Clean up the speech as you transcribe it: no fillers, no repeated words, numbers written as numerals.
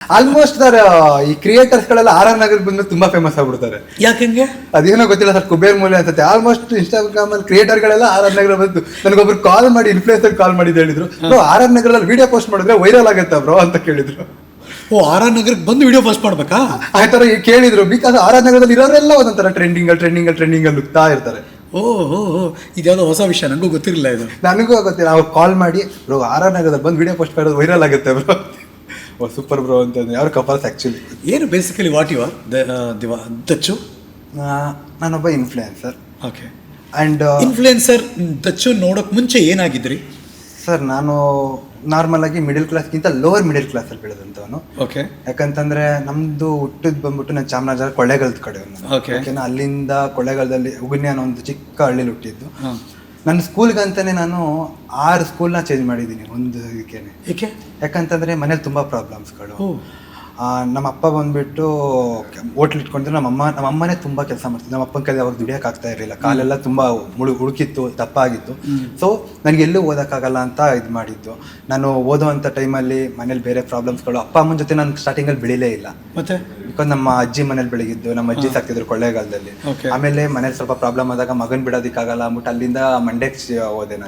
Almost sir ಈ creators ಗಳೆಲ್ಲ R R Nagar ಬಂದು ತುಂಬಾ ಫೇಮಸ್ ಆಗ್ಬಿಡ್ತಾರೆ. ಯಾಕೆ? ಅದೇನೋ ಗೊತ್ತಿಲ್ಲ ಸರ್, ಕುಬೇರ್ ಮೂಲೆ ಅನ್ಸುತ್ತೆ. ಆಲ್ಮೋಸ್ಟ್ ಇನ್ಸ್ಟಾಗ್ರಾಮ್ ಅಲ್ಲಿ ಕ್ರಿಯೇಟರ್ ಗಳೆಲ್ಲ ಆರ್ ಆರ್ ನಗರ ಬಂದು ನನಗೊಬ್ರು ಕಾಲ್ ಮಾಡಿ ಇನ್ಫ್ಲೂಯೆನ್ಸರ್ ಕಾಲ್ ಮಾಡಿದ್ದು ಹೇಳಿದ್ರು, ಆರ್ ಆರ್ ನಗರಲ್ಲಿ ವಿಡಿಯೋ ಪೋಸ್ಟ್ ಮಾಡಿದ್ರೆ ವೈರಲ್ ಆಗುತ್ತಾ ಬ್ರೋ ಅಂತ ಕೇಳಿದ್ರು. ಓ, ಆರ್ ಆರ್ ನಗರಕ್ಕೆ ಬಂದು ವಿಡಿಯೋ ಪೋಸ್ಟ್ ಮಾಡ್ಬೇಕಾ? ಆ ತರ ಕೇಳಿದ್ರು. ಬಿಕಾಸ್ ಆರ್ ಆರ್ ನಗರದಲ್ಲಿ ಇರೋರೆಲ್ಲ ಒಂದೊಂಥರ ಟ್ರೆಂಡಿಂಗ್ ಅಲ್ಲಿ ನುಗ್ತಾ ಇರ್ತಾರೆ. ಓ, ಇದ್ಯಾವುದೋ ಹೊಸ ವಿಷಯ, ನನಗೂ ಗೊತ್ತಿರಲಿಲ್ಲ ಇದು. ನನಗೂ ಗೊತ್ತಿಲ್ಲ. ಅವ್ರು ಕಾಲ್ ಮಾಡಿ ಬ್ರೋ ಆರ್ ಆರ್ ನಗರದಲ್ಲಿ ಬಂದು ವಿಡಿಯೋ ಪೋಸ್ಟ್ ಮಾಡೋದು ವೈರಲ್ ಆಗುತ್ತೆ ಬ್ರೋ. ಓ ಸೂಪರ್ ಬ್ರೋ ಅಂತ ಯಾರು ಕಪಲ್ಸ್ ಆ್ಯಕ್ಚುಲಿ. ಏನು basically what you are Dachu? ನಾನೊಬ್ಬ influencer. Okay. And influencer Dachu ನೋಡೋಕೆ ಮುಂಚೆ ಏನಾಗಿದ್ರಿ ಸರ್? ನಾನು ನಾರ್ಮಲ್ ಆಗಿ ಮಿಡಿಲ್ ಕ್ಲಾಸ್ಗಿಂತ ಲೋವರ್ ಮಿಡಿಲ್ ಕ್ಲಾಸಲ್ಲಿ ಬೆಳೆದಂಥವನು. ಓಕೆ. ಯಾಕಂತಂದ್ರೆ ನಮ್ದು ಹುಟ್ಟಿದ್ ಬಂದ್ಬಿಟ್ಟು ನಾನು ಚಾಮರಾಜನಗರ ಕೊಳ್ಳೇಗಾಲದ ಕಡೆ. ಓಕೆ. ಓಕೆನಾ, ಅಲ್ಲಿಂದ ಕೊಳ್ಳೇಗಾಲದಲ್ಲಿ ಉಗುನ್ಯ ಅನ್ನೋ ಒಂದು ಚಿಕ್ಕ ಹಳ್ಳಿಲಿ ಹುಟ್ಟಿದ್ದು. ನನ್ನ ಸ್ಕೂಲ್ಗಂತಾನೆ ನಾನು 6 ಸ್ಕೂಲ್ನ ಚೇಂಜ್ ಮಾಡಿದ್ದೀನಿ ಒಂದು ಇದಕ್ಕೇನೆ. ಏಕೆ? ಯಾಕಂತಂದ್ರೆ ಮನೇಲಿ ತುಂಬಾ ಪ್ರಾಬ್ಲಮ್ಸ್ಗಳು. ನಮ್ಮ ಅಪ್ಪ ಬಂದ್ಬಿಟ್ಟು ಹೋಟ್ಲ್ ಇಟ್ಕೊಂಡಿದ್ರು. ನಮ್ಮ ಅಮ್ಮನೇ ತುಂಬಾ ಕೆಲಸ ಮಾಡ್ತಿದ್ರು. ನಮ್ಮ ಅಪ್ಪನ ಕೈಲಿ ಅವಾಗ ದುಡಿಯಕ್ಕೆ ಆಗ್ತಾ ಇರಲಿಲ್ಲ. ಕಾಲೆಲ್ಲ ತುಂಬಾ ಹುಡುಕಿತ್ತು, ದಪ್ಪ ಆಗಿತ್ತು. ಸೊ ನನಗೆ ಎಲ್ಲೂ ಓದೋಕ್ಕಾಗಲ್ಲ ಅಂತ ಇದು ಮಾಡಿದ್ದು. ನಾನು ಓದೋವಂಥ ಟೈಮಲ್ಲಿ ಮನೇಲಿ ಬೇರೆ ಪ್ರಾಬ್ಲಮ್ಸ್ಗಳು. ಅಪ್ಪ ಅಮ್ಮನ ಜೊತೆ ನಾನು ಸ್ಟಾರ್ಟಿಂಗಲ್ಲಿ ಬೆಳಿಲೇ ಇಲ್ಲ. ಮತ್ತೆ ಬಿಕಾಸ್ ನಮ್ಮ ಅಜ್ಜಿ ಮನೇಲಿ ಬೆಳಗಿದ್ದು, ನಮ್ಮ ಅಜ್ಜಿ ಸಾಕ್ತಿದ್ರು ಕೊಳ್ಳೇಗಾಲದಲ್ಲಿ. ಆಮೇಲೆ ಮನೇಲಿ ಸ್ವಲ್ಪ ಪ್ರಾಬ್ಲಮ್ ಆದಾಗ ಮಗನ್ ಬಿಡೋದಕ್ಕಾಗಲ್ಲ ಅಂದ್ಬಿಟ್ಟು ಅಲ್ಲಿಂದ ಮಂಡ್ಯಕ್ಕೆ ಹೋದೆ ನಾನು.